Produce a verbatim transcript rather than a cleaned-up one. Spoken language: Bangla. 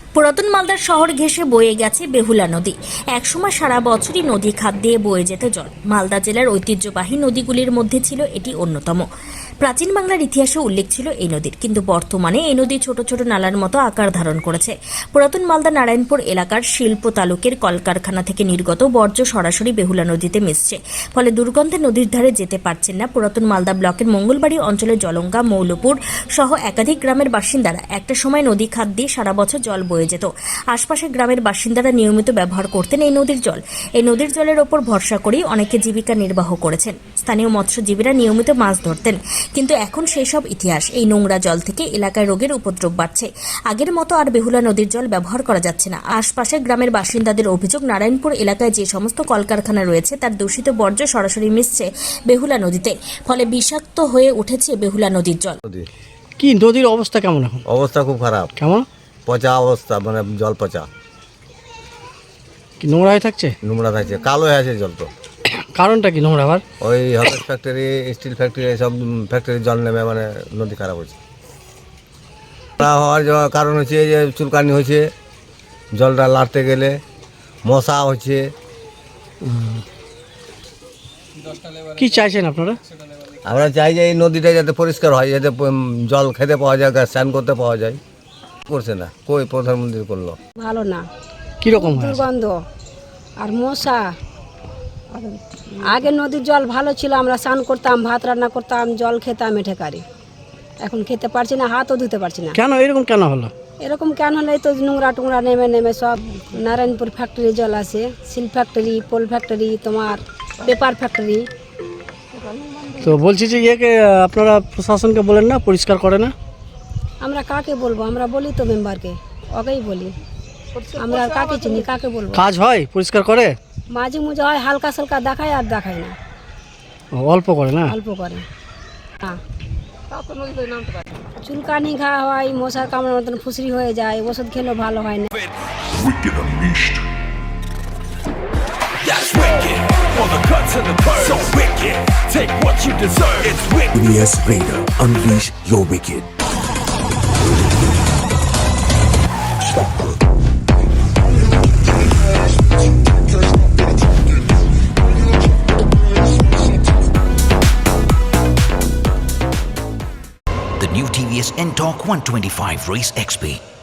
পুরাতন মালদার শহর ঘেঁষে বয়ে গেছে বেহুলা নদী। একসময় সারা বছরই নদী খাত দিয়ে বয়ে যেত জল। মালদা জেলার ঐতিহ্যবাহী নদীগুলির মধ্যে ছিল এটি অন্যতম। প্রাচীন বাংলার ইতিহাসে উল্লেখ ছিল এই নদীর, কিন্তু বর্তমানে এই নদী ছোট ছোট নালার মতো আকার ধারণ করেছে। পুরাতন মালদা নারায়ণপুর এলাকার শিল্প তালুকের কলকারখানা থেকে নির্গত বর্জ্য সরাসরি বেহুলা নদীতে মিশছে। ফলে দুর্গন্ধে নদীর ধারে যেতে পারছেন না পুরাতন মালদা ব্লকের মঙ্গলবাড়ি অঞ্চলের জলঙ্গা, মৌলপুর সহ একাধিক গ্রামের বাসিন্দারা। একটা সময় নদী খাত দিয়ে সারা বছর জল বয়ে যেত। আশপাশের গ্রামের বাসিন্দারা নিয়মিত ব্যবহার করতেন এই নদীর জল। এই নদীর জলের ওপর ভরসা করেই অনেকে জীবিকা নির্বাহ করেছেন। স্থানীয় মৎস্যজীবীরা নিয়মিত মাছ ধরতেন, কিন্তু এখন সেই সব ইতিহাস। এই নোংরা জল থেকে এলাকায় রোগের উপদ্রব বাড়ছে। আগের মতো আর বেহুলা নদীর জল ব্যবহার করা যাচ্ছে না। আশপাশের গ্রামের বাসিন্দাদের অভিযোগ, নারায়ণপুর এলাকায় যে সমস্ত কলকারখানা রয়েছে তার দূষিত বর্জ্য সরাসরি মিশছে বেহুলা নদীতে, ফলে বিষাক্ত হয়ে উঠেছে বেহুলা নদীর জল। কি নদীর অবস্থা কেমন এখন? অবস্থা খুব খারাপ, কেমন? পচা অবস্থা, মানে জল পচা, কি নোংরা হয়ে থাকছে? নোংরা থাকছে, কালো হয়ে আছে জল। তো কারণটা কি নোংরা আবার? ওই হলস ফ্যাক্টরি, স্টিল ফ্যাক্টরি, সব ফ্যাক্টরির জল নেমে মানে নদী খারাপ হচ্ছে। তা হওয়ার জ- কারণ হচ্ছে যে চুলকানি হয়েছে, জলটা লাড়তে গেলে মশা হচ্ছে। কি চাইছেন আপনারা? আমরা চাই যে এই নদীটা যাতে পরিষ্কার হয়, যাতে প- জল খেতে পাওয়া যায়, স্নান করতে পাওয়া যায়। করছে না, কই প্রধানমন্ত্রী করলো? ভালো না, কিরকম হয়? দুর্গন্ধ আর মশা। আগে নদীর জল ভালো ছিল, আমরা স্নান করতাম, ভাত রান্না করতাম, জল খেতাম এঠে কারি। এখন খেতে পারছি না, হাতও ধুতে পারছি না। কেন এরকম কেন হলো? এরকম কেন হলে তো নোংরা টুংরা নেমে নেমে সব নারায়ণপুর ফ্যাক্টরি জল আসে, সিল ফ্যাক্টরি, পোল ফ্যাক্টরি, তোমার পেপার ফ্যাক্টরি। তো বলছি যে ইয়েকে আপনারা প্রশাসনকে বলেন না, পরিষ্কার করে না? আমরা কাকে বলবো? আমরা বলি তো মেম্বারকে, ওকেই বলি। আমরা আর কাকে চিনি, কাকে বলবো? কাজ হয়, পরিষ্কার করে? মাঝে মুঝে হয়, হালকা সালকা দেখায় আর দেখায় না, ও, অল্প করে না? অল্প করে। হ্যাঁ, চুলকানি ঘা হয়, মশার কামড়ের মতন ফুসরি হয়ে যায়, ওষুধ খেলেও ভালো হয় না। Wicked Unleashed. That's wicked. For the cuts and the curves. So wicked. Take what you deserve. It's wicked. Yes, Raider, unleash your wicked. The new T V S N-Torque one twenty-five Race X P.